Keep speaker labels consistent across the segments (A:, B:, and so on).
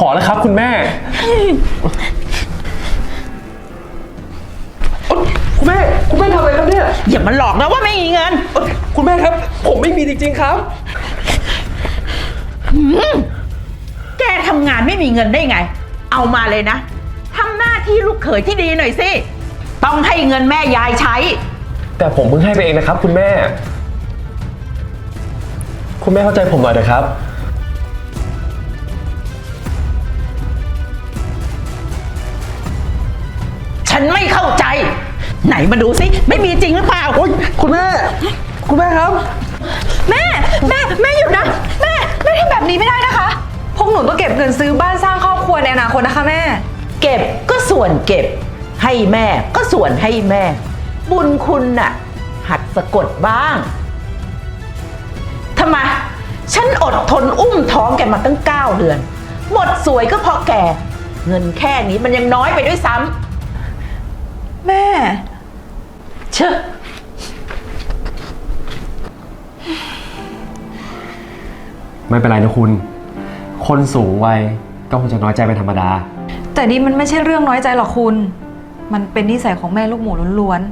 A: อแล้วครับคุณแม่คุณแม่ทำอะไรครับเนี่ย
B: อย่ามาหลอกนะว่าไม่มีเงิน
A: คุณแม่ครับผมไม่มีจริงๆครับ
B: แกทำงานไม่มีเงินได้ไงเอามาเลยนะทำหน้าที่ลูกเขยที่ดีหน่อยสิต้องให้เงินแม่ยายใช้
A: แต่ผมเพิ่งให้ไปเองนะครับคุณแม่เข้าใจผมหน่อยนะครับ
B: ฉันไม่เข้าใจไหนมาดูสิไม่มีจริงหรือเปล่า
A: คุณแม่ครับ
C: แม่หยุดนะแม่ทำแบบนี้ไม่ได้นะคะพวกหนูต้องเก็บเงินซื้อบ้านสร้างครอบครัวในอนาคตนะคะแม่
B: เก็บก็ส่วนเก็บให้แม่ก็ส่วนให้แม่บุญคุณน่ะหัดสะกดบ้างทำไมฉันอดทนอุ้มท้องแกมาตั้ง9 เดือนหมดสวยก็เพราะแกเงินแค่นี้มันยังน้อยไปด้วยซ้ำ
C: แม่
B: เชอะ
A: ไม่เป็นไรนะคุณคนสูงวัยก็คงจะน้อยใจเป็นธรรมดา
C: แต่นี่มันไม่ใช่เรื่องน้อยใจหรอกคุณมันเป็นนิสัยของแม่ลูกหมูล้วน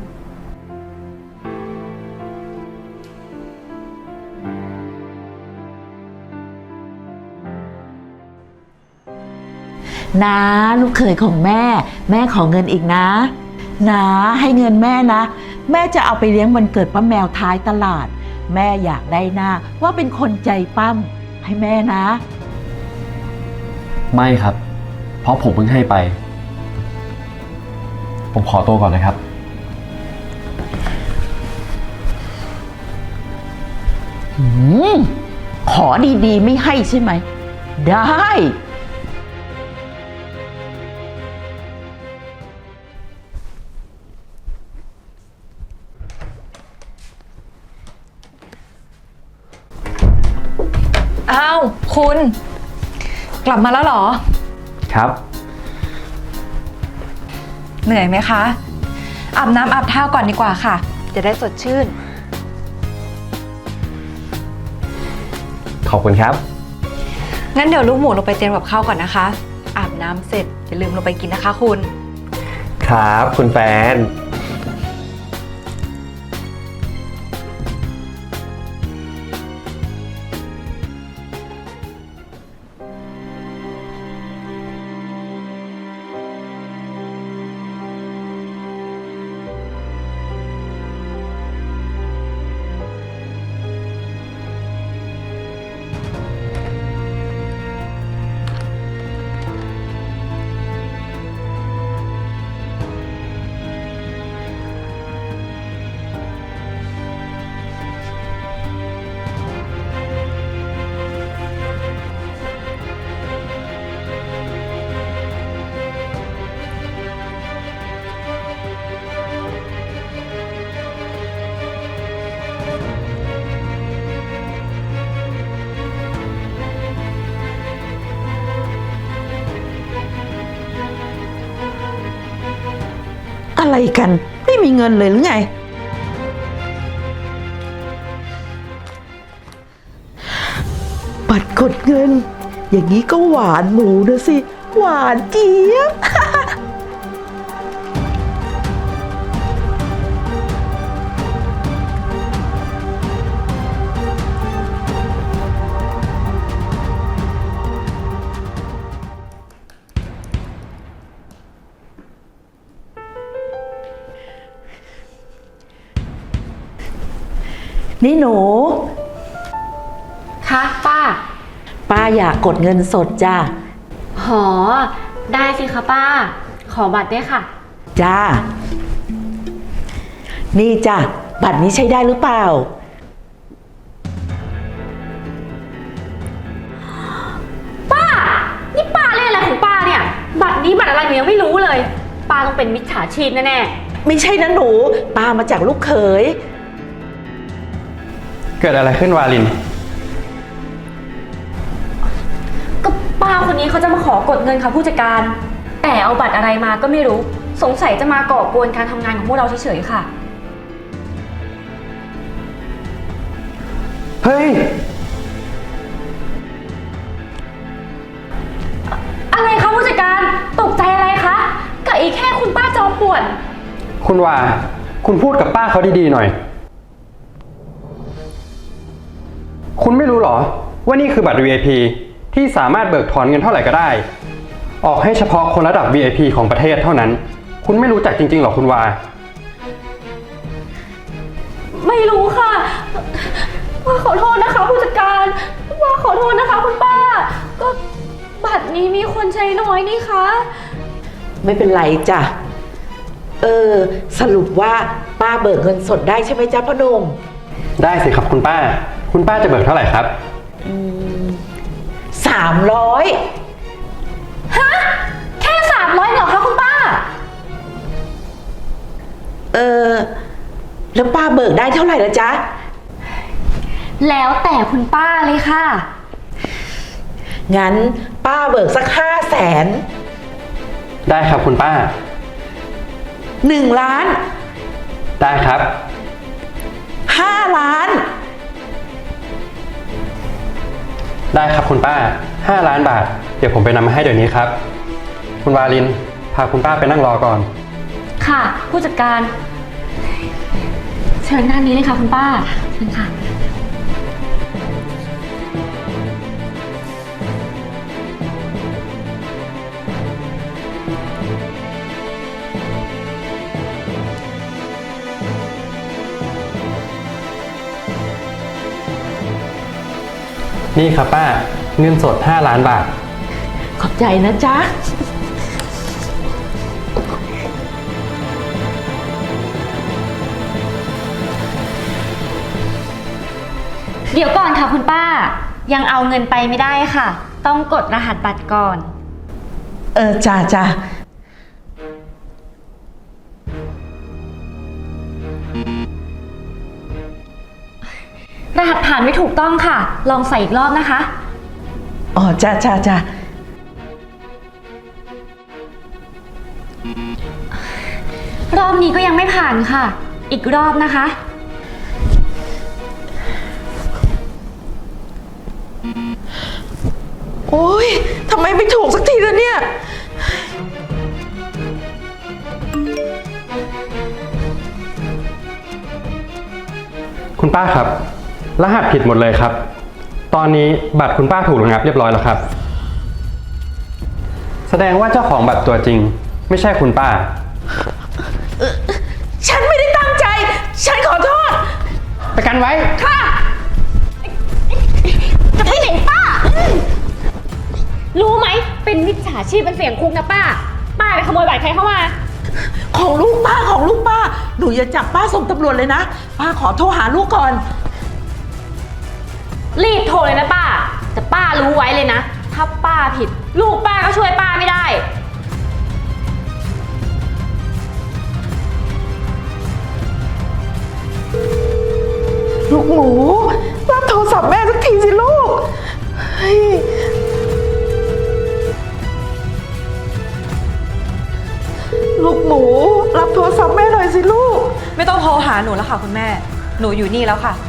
B: นะลูกเขยของแม่ขอเงินอีกนะให้เงินแม่นะแม่จะเอาไปเลี้ยงวันเกิดป้าแมวท้ายตลาดแม่อยากได้หน้าว่าเป็นคนใจปั้มให้แม่นะ
A: ไม่ครับเพราะผมเพิ่งให้ไปผมขอตัวก่อนนะครับ
B: ขอดีๆไม่ให้ใช่ไหมได้
C: อ้าวคุณกลับมาแล้วเหรอ
A: ครับ
C: เหนื่อยไหมคะอาบน้ำอาบท่าก่อนดีกว่าค่ะจะได้สดชื่น
A: ขอบคุณครับ
C: งั้นเดี๋ยวลูกหมูลงไปเตรียมกับข้าวก่อนนะคะอาบน้ำเสร็จอย่าลืมลงไปกินนะคะคุณ
A: ครับคุณแฟน
B: อะไรกันไม่มีเงินเลยหรือไงบัตรกดเงินอย่างนี้ก็หวานหมูนะสิหวานเจี๊ยบ นี่หนู
D: คะป้า
B: อยากกดเงินสดจ้า
D: หอได้สิคะป้าขอบัตรด้วยค่ะ
B: จ้านี่จ้ะบัตรนี้ใช้ได้หรือเปล่า
D: ป้านี่ป้าเล่นอะไรของป้าเนี่ยบัตรนี้บัตรอะไรหนูยังไม่รู้เลยป้าต้องเป็นมิจฉาชีพแน่
B: ๆไม่ใช่นะหนูป้ามาจากลูกเขย
A: เกิดอะไรขึ้นวาลิน
D: ก็ป้าคนนี้เขาจะมาขอกดเงินค่ะผู้จัดการแต่เอาบัตรอะไรมาก็ไม่รู้สงสัยจะมาก่อกวนการทำงานของพวกเราเฉยๆค่ะ
A: เฮ้ย
E: คุณว่าคุณพูดกับป้าเขาดีๆหน่อย คุณไม่รู้หรอว่านี่คือบัตร VIP ที่สามารถเบิกถอนเงินเท่าไหร่ก็ได้ ออกให้เฉพาะคนระดับ VIP ของประเทศเท่านั้น คุณไม่รู้จักจริงๆหรอคุณวา
D: ไม่รู้ค่ะว่าขอโทษนะคะผู้จัดการว่าขอโทษนะคะคุณป้า ก็บัตรนี้มีคนใช้น้อยนี่คะ
B: ไม่เป็นไรจ้ะสรุปว่าป้าเบิกเงินสดได้ใช่ไหมจ๊ะพ่อหนุ่ม
E: ได้สิครับคุณป้า คุณป้าจะเบิกเท่าไหร่ครับ
B: 300
D: ฮะแค่300เหรอคะคุณป้า
B: แล้วป้าเบิกได้เท่าไหร่ละจ๊ะ
D: แล้วแต่คุณป้าเลยค่ะ
B: งั้นป้าเบิกสัก500,000
E: ได้ครับคุณป้า
B: 1 ล้าน
E: ได้ครับ
B: 5 ล้าน
E: ได้ครับคุณป้า5 ล้านบาท เดี๋ยวผมไปนำมาให้เดี๋ยวนี้ครับ คุณวาลินพาคุณป้าไปนั่งรอก่อน
D: ค่ะผู้จัดการ เชิญด้านนี้เลยค่ะคุณป้าเชิญค่ะ
E: นี่ครับป้าเงินสด5 ล้านบาท
B: ขอบใจนะจ๊ะ
D: เดี๋ยวก่อนค่ะคุณป้า ยังเอาเงินไปไม่ได้ค่ะ ต้องกดรหัสบัตรก่อน
B: จ้ะ
D: รหัสผ่านไม่ถูกต้องค่ะ ลองใส่อีกรอบนะคะ
B: อ๋อจ้ะ
D: รอบนี้ก็ยังไม่ผ่านค่ะ อีกรอบนะคะ
B: โอ๊ยทำไมไม่ถูกสักทีละเนี่ย
E: คุณป้าครับ รหัสผิดหมดเลยครับ ตอนนี้บัตรคุณป้าถูกระงับเรียบร้อยแล้วครับ แสดงว่าเจ้าของบัตรตัวจริง ไม่ใช่คุณป้า
B: ฉันไม่ได้ตั้งใจ ฉันขอโทษ
E: ประกันไว้
D: ค่ะ จะไปไหนป้า รู้ไหม เป็นมิจฉาชีพเป็นเสียงคุกนะป้า ป้าไปขโมยบัตรใครเข้ามา
B: ของลูกป้า หนูอย่าจับป้าส่งตำรวจเลยนะ ป้าขอโทรหาลูกก่อน
D: รีบโทรเลยนะป้า แต่ป้ารู้ไว้เลยนะ ถ้าป้าผิด ลูกป้าก็ช่วยป้าไม่ได้
B: ลูกหมูรับโทรศัพท์แม่สักทีสิลูกเฮ้ยลูกหมูรับโทรศัพท์แม่หน่อยสิลูก
C: ไม่ต้องโทรหาหนูแล้วค่ะคุณแม่ หนูอยู่นี่แล้วค่ะ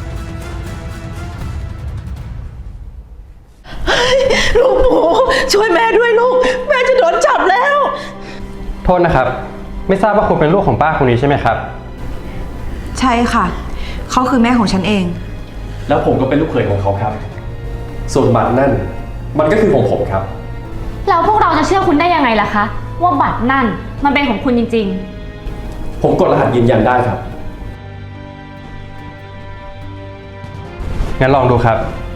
B: ลูกหมูช่วยแม่ด้วยลูก แม่จะโดนจับแล้ว
E: โทษนะครับ ไม่ทราบว่าคุณเป็นลูกของป้าคนนี้ใช่ไหมครับ
C: ใช่ค่ะ เขาคือแม่ของฉันเอง
A: แล้วผมก็เป็นลูกเขยของเขาครับ ส่วนบัตรนั่นมันก็คือของผมครับ
D: แล้วพวกเราจะเชื่อคุณได้ยังไงล่ะคะ ว่าบัตรนั่นมันเป็นของคุณจริง
A: ผมกดรหัสยืนยันได้ครับ
E: งั้นลองดูครับ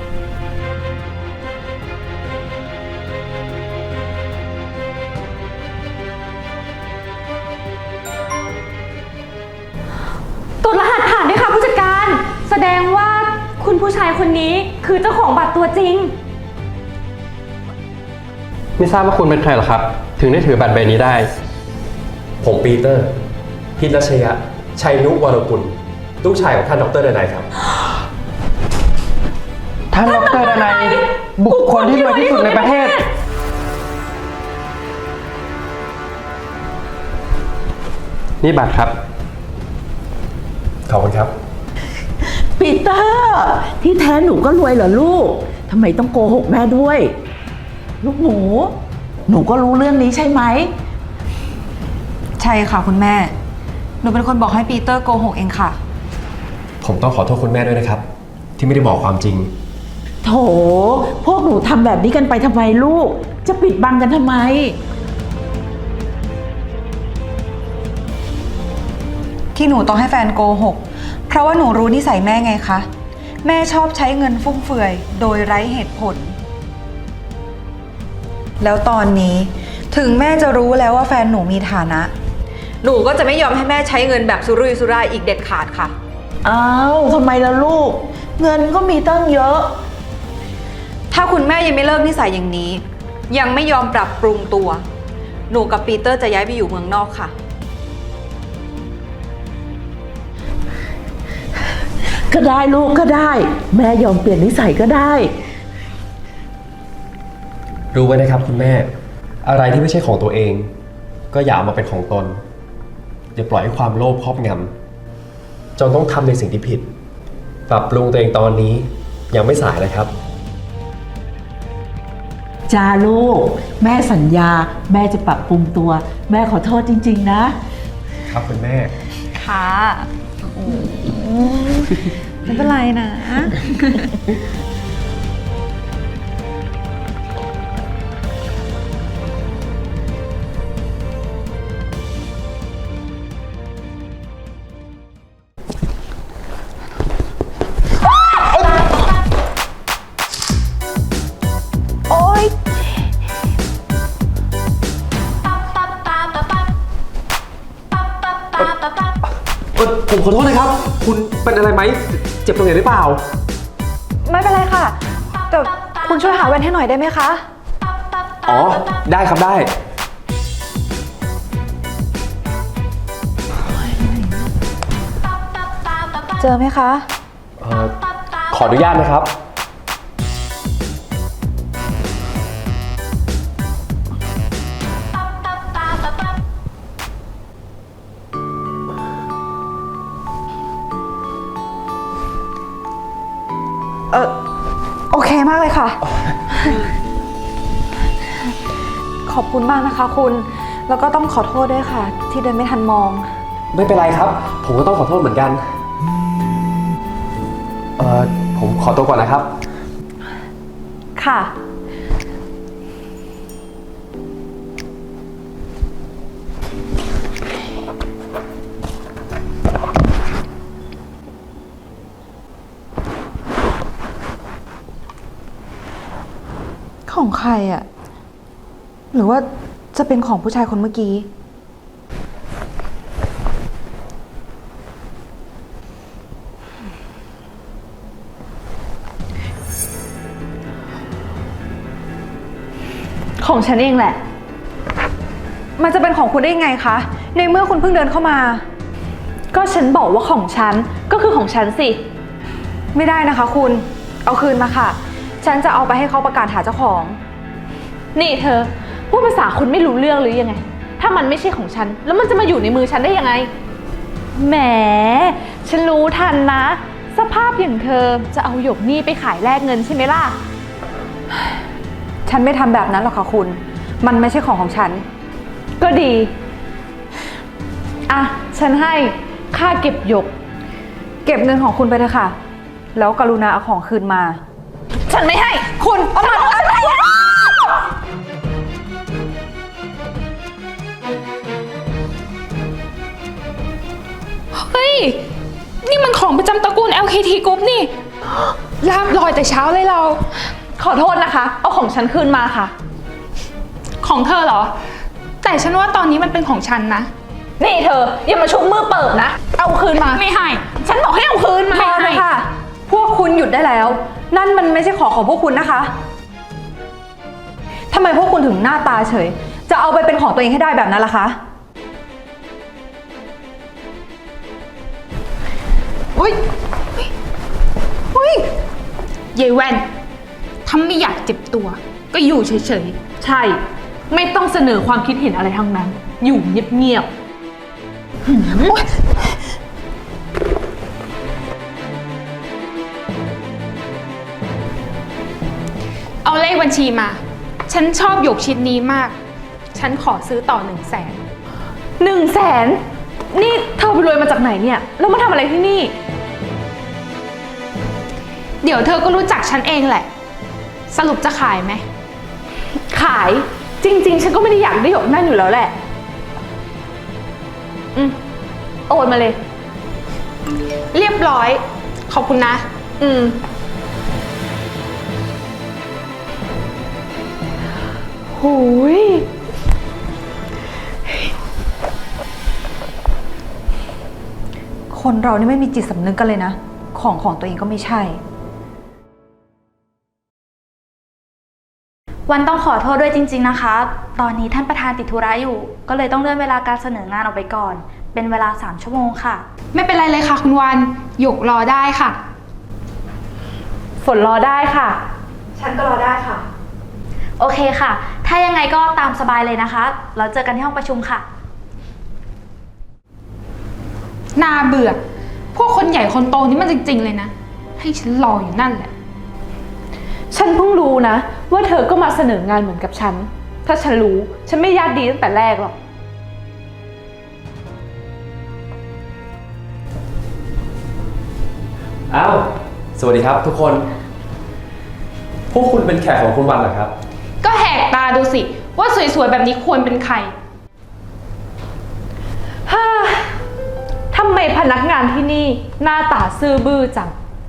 D: ๆ กดรหัสผ่านด้วยค่ะผู้จัดการ แสดงว่าคุณผู้ชายคนนี้คือเจ้าของบัตรตัวจริง
E: ไม่ทราบว่าคุณเป็นใครเหรอครับ ถึงได้ถือบัตรใบนี้ได้
A: ผมปีเตอร์ พิรัชยะ ชัยนุวรกุล ลูกชายของท่านดรดนัยครับ
E: ท่านดรดนัยบุคคลที่รวยที่สุดในประเทศ นี่บัตรครับ
A: ขอบคุณครับ
B: ปีเตอร์ที่แท้หนูก็รวยเหรอลูกทำไมต้องโกหกแม่ด้วย ลูกหมูหนูก็รู้เรื่องนี้ใช่ไหม
C: ใช่ค่ะคุณแม่หนูเป็นคนบอกให้ปีเตอร์โกหกเองค่ะ
A: ผมต้องขอโทษคุณแม่ด้วยนะครับ ที่ไม่ได้บอกความจริง
B: โถ พวกหนูทำแบบนี้กันไปทำไมลูก จะปิดบังกันทำไม
C: ที่หนูต้องให้แฟนโกหก เพราะว่าหนูรู้นิสัยแม่ไงคะ แม่ชอบใช้เงินฟุ่มเฟือยโดยไร้เหตุผล แล้วตอนนี้ถึงแม่จะรู้แล้วว่าแฟนหนูมีฐานะ หนูก็จะไม่ยอมให้แม่ใช้เงินแบบสุรุ่ยสุร่ายอีกเด็ดขาดค่ะ
B: อ้าวทำไมล่ะลูก เงินก็มีตั้งเยอะ
C: ถ้าคุณแม่ยังไม่เลิกนิสัยอย่างนี้ ยังไม่ยอมปรับปรุงตัว หนูกับปีเตอร์จะย้ายไปอยู่เมืองนอกค่ะ
B: ก็ได้ลูกก็ได้ แม่ยอมเปลี่ยนนิสัยก็ได้
A: รู้ไว้นะครับคุณแม่ อะไรที่ไม่ใช่ของตัวเอง ก็อย่าเอามาเป็นของตน อย่าปล่อยให้ความโลภครอบงำจนต้องทำในสิ่งที่ผิด ปรับปรุงตัวเองตอนนี้ยังไม่สายเลยครับ
B: จ้าลูก แม่สัญญา แม่จะปรับปรุงตัว แม่ขอโทษจริงๆนะ
A: ครับคุณแม่
C: ค่ะไม่เป็นไรนะ โอ๊ย
A: ผมขอโทษนะครับ คุณเป็นอะไรไหม เจ็บตรงไหนหรือเปล่า
C: ไม่เป็นไรค่ะ แต่คุณช่วยหาแว่นให้หน่อยได้ไหมคะ
A: อ๋อ ได้ครับได้
C: เจอไหมคะ
A: ขออนุญาตนะครับ
C: โอเคมากเลยค่ะ ขอบคุณมากนะคะคุณ แล้วก็ต้องขอโทษด้วยค่ะ ที่เดินไม่ทันมอง
A: ไม่เป็นไรครับ ผมก็ต้องขอโทษเหมือนกัน ผมขอตัวก่อนนะครับ
C: ค่ะ ของใครอะหรือว่าจะเป็นของผู้ชายคนเมื่อกี้ ของฉันเองแหละ มันจะเป็นของคุณได้ยังไงคะ ในเมื่อคุณเพิ่งเดินเข้ามา
D: ก็ฉันบอกว่าของฉันก็คือของฉันสิ
C: ไม่ได้นะคะคุณ เอาคืนมาค่ะ ฉันจะเอาไปให้เขาประกาศหาเจ้าของ
D: นี่เธอพูดภาษาคุณไม่รู้เรื่องหรือยังไง ถ้ามันไม่ใช่ของฉัน แล้วมันจะมาอยู่ในมือฉันได้ยังไง แหม ฉันรู้ทันนะ สภาพอย่างเธอจะเอาหยกนี่ไปขายแลกเงินใช่ไหมล่ะ
C: ฉันไม่ทำแบบนั้นหรอกค่ะคุณ มันไม่ใช่ของฉัน
D: ก็ดี อ่ะ ฉันให้ค่าเก็บหยก
C: เก็บเงินของคุณไปเถอะค่ะ แล้วกรุณาเอาของคืนมา
D: ฉันไม่ให้
C: คุณเอามาฉันไม่ให้
F: เฮ้ย นี่มันของประจำตระกูล LKT Group นี่ลาบลอยแต่เช้าเลยเรา
D: ขอโทษนะคะ เอาของฉันคืนมาค่ะ
F: ของเธอเหรอ แต่ฉันว่าตอนนี้มันเป็นของฉันนะ
D: นี่เธออย่ามาชุบมือเปิบนะ เอาคืนมา
F: ไม่ให้
D: ฉันบอกให้เอาคืนมา
C: พอเลยค่ะ พวกคุณหยุดได้แล้ว นั่นมันไม่ใช่ของพวกคุณนะคะทำไมพวกคุณถึงหน้าตาเฉย จะเอาไปเป็นของตัวเองให้ได้แบบนั้นล่ะคะ
F: อุ้ยอุ้ยยายแว่นถ้าไม่อยากเจ็บตัว ก็อยู่เฉย
D: ใช่ ไม่ต้องเสนอความคิดเห็นอะไรทั้งนั้น อยู่เงียบ
F: ๆ เอาเลขบัญชีมา ฉันชอบหยกชิ้นนี้มาก ฉันขอซื้อต่อ100,000
D: 100,000 นี่เธอไปรวยมาจากไหนเนี่ย แล้วมาทำอะไรที่นี่
F: เดี๋ยวเธอก็รู้จักฉันเองแหละ สรุปจะขายไหม
D: ขาย จริง ๆ ฉันก็ไม่ได้อยากได้หยกนั่นอยู่แล้วแหละ โอนมาเลย
F: เรียบร้อย ขอบคุณนะ
D: หูย
C: คนเรานี่ไม่มีจิตสำนึกกันเลยนะ ของตัวเองก็ไม่ใช่
G: วันต้องขอโทษด้วยจริงๆนะคะ ตอนนี้ท่านประธานติดธุระอยู่ ก็เลยต้องเลื่อนเวลาการเสนองานออกไปก่อน เป็นเวลา3 ชั่วโมงค่ะ
F: ไม่เป็นไรเลยค่ะคุณวันหยกรอได้ค่ะ
D: ฝนรอได้ค่ะ
C: ฉันก็รอได้ค่ะ
G: โอเคค่ะ ถ้ายังไงก็ตามสบายเลยนะคะ เราเจอกันที่ห้องประชุมค่ะ
F: น่าเบื่อ พวกคนใหญ่คนโตนี่มันจริงๆเลยนะ ให้ฉันรออยู่นั่นแหละ
D: ฉันเพิ่งรู้นะ ว่าเธอก็มาเสนองานเหมือนกับฉัน ถ้าฉันรู้ ฉันไม่ญาติดีตั้งแต่แรกหรอก
A: อ้าว สวัสดีครับทุกคน พวกคุณเป็นแขกของคุณวันเหรอครับ
F: ก็แหกตาดูสิ ว่าสวยๆแบบนี้ควรเป็นใคร
D: ฮ่า ทำไมพนักงานที่นี่หน้าตาซื่อบื้อจัง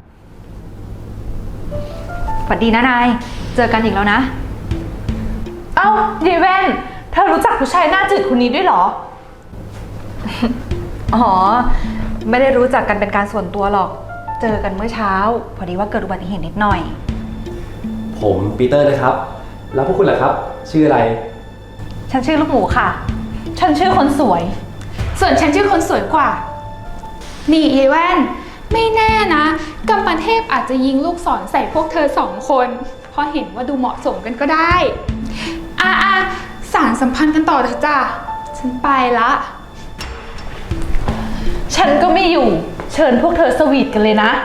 C: สวัสดีนะนาย เจอกันอีกแล้วนะ
D: เอ้ายายแว่น เธอรู้จักผู้ชายหน้าจืดคนนี้ด้วยเหรอ
C: อ๋อ ไม่ได้รู้จักกันเป็นการส่วนตัวหรอก เจอกันเมื่อเช้า พอดีว่าเกิดอุบัติเหตุนิดหน่อย
A: ผมปีเตอร์นะครับ แล้วพวกคุณล่ะครับ ชื่ออะไร
C: ฉันชื่อลูกหมูค่ะ
D: ฉันชื่อคนสวย
F: ส่วนฉันชื่อคนสวยกว่า นี่ยายแว่น ไม่แน่นะกัมปเทพอาจจะยิงลูกศรใส่พวกเธอ2 คน เพราะเห็นว่าดูเหมาะสมกันก็ได้สารสัมพันธ์กันต่อเถอะจ้ะ ฉันไปละ
D: ฉันก็ไม่อยู่ เชิญพวกเธอสวีทกันเลยนะ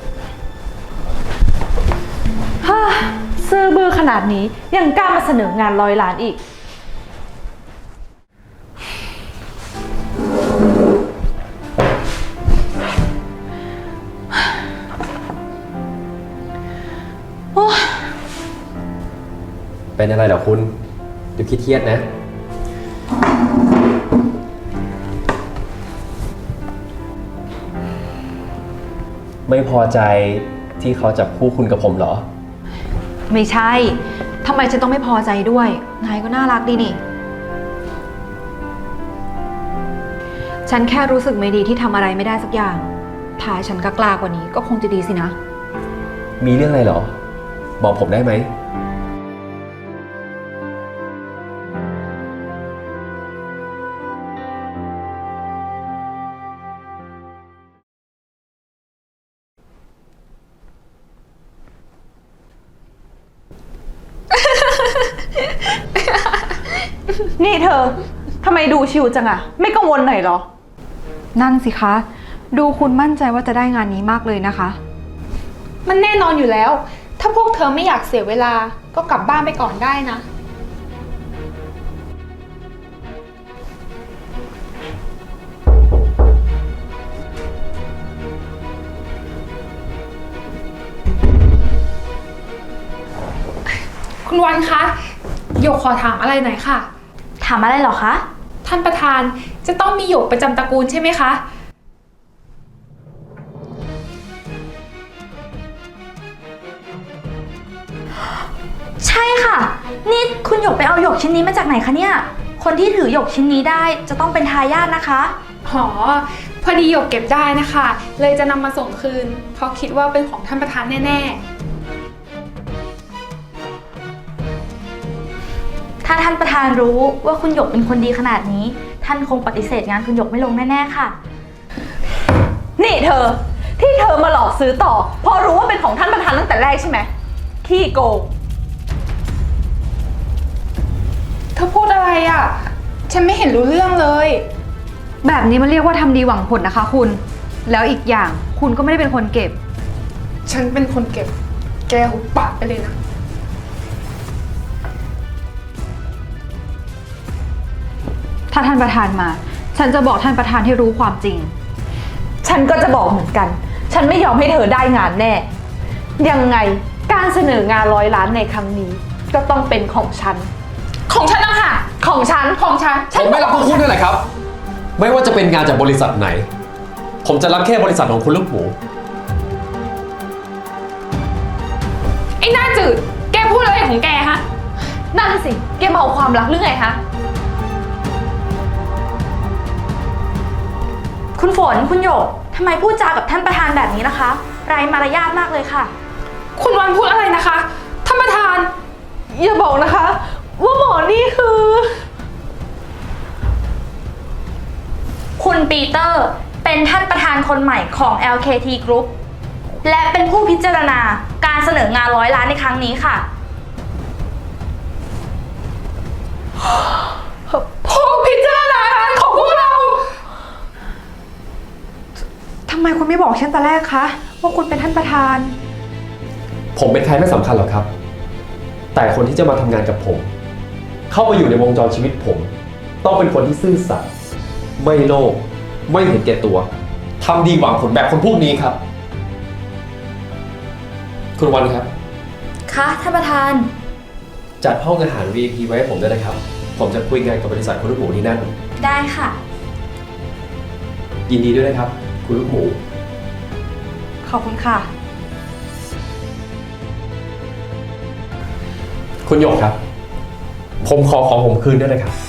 D: ฮ่า ซื่อบื้อขนาดนี้ยังกล้ามาเสนองาน100 ล้านอีก
A: เป็นอะไรเหรอคุณดูเครียดๆนะ ไม่พอใจที่เขาจับคู่คุณกับผมเหรอ
C: ไม่ใช่ ทำไมฉันต้องไม่พอใจด้วย นายก็น่ารักดีนี่ ฉันแค่รู้สึกไม่ดีที่ทำอะไรไม่ได้สักอย่าง ถ้าฉันกล้ากว่านี้ก็คงจะดีสินะ
A: มีเรื่องอะไรเหรอ บอกผมได้ไหม
D: นี่เธอ ทำไมดูชิวจังอะไม่กังวลหน่อยเหรอ
C: นั่นสิคะ ดูคุณมั่นใจว่าจะได้งานนี้มากเลยนะคะ
F: มันแน่นอนอยู่แล้ว ถ้าพวกเธอไม่อยากเสียเวลา ก็กลับบ้านไปก่อนได้นะ คุณวันคะหยกขอถามอะไรหน่อยค่ะ
G: ถามอะไรเหรอคะ
F: ท่านประธานจะต้องมีหยกประจำตระกูลใช่ไหมคะ
G: ใช่ค่ะ นี่คุณหยกไปเอาหยกชิ้นนี้มาจากไหนคะเนี่ย คนที่ถือหยกชิ้นนี้ได้จะต้องเป็นทายาทนะคะ
F: อ๋อ พอดีหยกเก็บได้นะคะ เลยจะนำมาส่งคืน เพราะคิดว่าเป็นของท่านประธานแน่
G: ถ้าท่านประธานรู้ว่าคุณหยกเป็นคนดีขนาดนี้ ท่านคงปฏิเสธงานคุณหยกไม่ลงแน่ๆค่ะ
D: นี่เธอ ที่เธอมาหลอกซื้อต่อเพราะรู้ว่าเป็นของท่านประธานตั้งแต่แรกใช่ไหม ขี้โกง
F: ๆ เธอพูดอะไรอ่ะ ฉันไม่เห็นรู้เรื่องเลย
C: แบบนี้มันเรียกว่าทำดีหวังผลนะคะคุณ แล้วอีกอย่างคุณก็ไม่ได้เป็นคนเก็บ
F: ฉันเป็นคนเก็บ แกหุบปากไปเลยนะ
C: ถ้าท่านประธานมา ฉฉันจะบอกท่านประธานให้รู้ความจริง
D: ฉันก็จะบอกเหมือนกัน ฉันไม่ยอมให้เธอได้งานแน่ ยังไงการเสนองาน100 ล้านในครั้งนี้ ก็ต้องเป็นของฉัน
F: ของฉันนะคะ
D: ของฉัน
F: ของฉัน
A: ผมไม่รับพวกคุณด้วยแหละครับ ไม่ว่าจะเป็นงานจากบริษัทไหน ผมจะรับแค่บริษัทของคุณลูกหมู
F: ไอ้หน้าจืด แกพูดอะไรของแกฮะ
D: นั่นสิ แกเมาความรักหรือไงคะ
G: คุณฝน คุณหยก ทำไมพูดจากับท่านประธานแบบนี้นะคะ ไร้มารยาทมากเลยค่ะ
F: คุณวันพูดอะไรนะคะ ท่านประธาน
D: อย่าบอกนะคะ ว่าหมอนี่คือ
G: คุณปีเตอร์เป็นท่านประธานคนใหม่ของ LKT Group และเป็นผู้พิจารณาการเสนองาน100 ล้านในครั้งนี้ค่ะ
F: ผู้พิจารณางานของพวกเรา
C: ทำไมคุณไม่บอกฉันแต่แรกคะว่าคุณเป็นท่านประธาน
A: ผมเป็นใครไม่สำคัญหรอกครับ แต่คนที่จะมาทำงานกับผม เข้ามาอยู่ในวงจรชีวิตผม ต้องเป็นคนที่ซื่อสัตย์ไม่โลภไม่เห็นแก่ตัวทำดีหวังผลแบบคนพวกนี้ครับ คุณวันครับ
G: ค่ะท่านประธาน
A: จัดห้องอาหาร VIP ไว้ให้ผมด้วยนะครับ ผมจะคุยงานกับบริษัทคุณลูกหมูที่นั่น
G: ได้ค่ะ
A: ยินดีด้วยนะครับ คุณลูกหมู
C: ขอบคุณค่ะ
A: คุณหยกครับ ผมขอของผมคืนด้วยนะครับ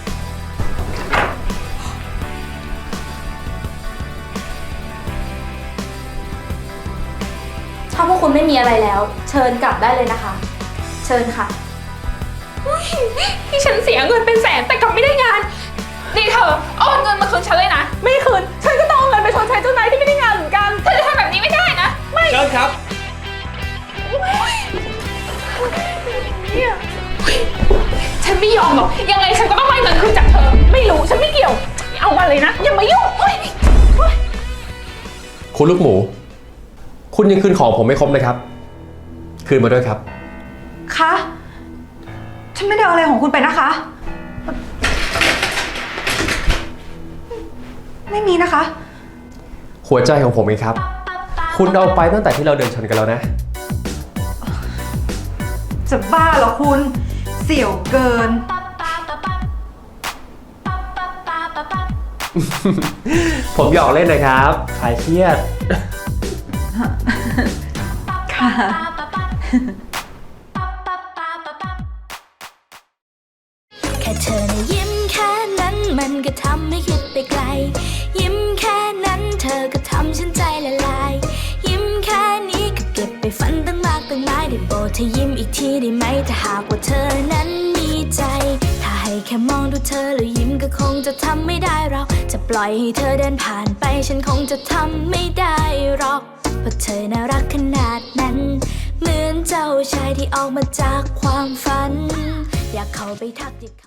G: ถ้าพวกคุณไม่มีอะไรแล้ว เชิญกลับได้เลยนะคะ เชิญค่ะ
F: ที่ฉันเสียเงินเป็นแสนแต่กลับไม่ได้งาน นี่เธอเอาเงินมาคืนฉันเลยนะ
D: ไม่คืน ฉันก็ต้องเอาเงินไปชดใช้เจ้านายที่ไม่ได้งานเหมือนกัน
F: เธอจะทำแบบนี้ไม่ได้นะ ไม่
A: เชิญครับ
F: ฉันไม่ยอมหรอก ยังไงฉันก็ต้องได้เงินคืนจากเธอ
D: ไม่รู้ ฉันไม่เกี่ยว เอามาเลยนะ อย่ามายุ่งเฮ้ย
A: คุณลูกหมู คุณยังคืนของผมไม่ครบนะครับ คืนมาด้วยครับ
C: คะ ฉันไม่ได้เอาอะไรของคุณไปนะคะ ไม่มีนะคะ
A: หัวใจของผมเองครับ คุณเอาไปตั้งแต่ที่เราเดินชนกันแล้วนะ
C: จะบ้าเหรอคุณ เสี่ยวเกิน
A: ผมหยอกเล่นนะครับคลายเครียด
C: ค่ะ
H: แค่เธอนะยิ้มแค่นั้นมันก็ทำให้คิดไปไกล ยิ้มแค่นั้นเธอก็ทำฉันใจละลาย ยิ้มแค่นี้ก็เก็บไปฝันตั้งมากตั้งหลายได้โปรดเธอยิ้มอีกทีได้ไหมถ้าหากว่าเธอนั้นมีใจ ถ้าให้แค่มองดูเธอแล้วยิ้มก็คงจะทำไม่ได้เราจะปล่อยให้เธอเดินผ่านไปฉันคงจะทำไม่ได้หรอกเพราะเธอน่ารักขนาดนั้น เหมือนเจ้าชายที่ออกมาจากความฝัน อยากเข้าไปทักทิ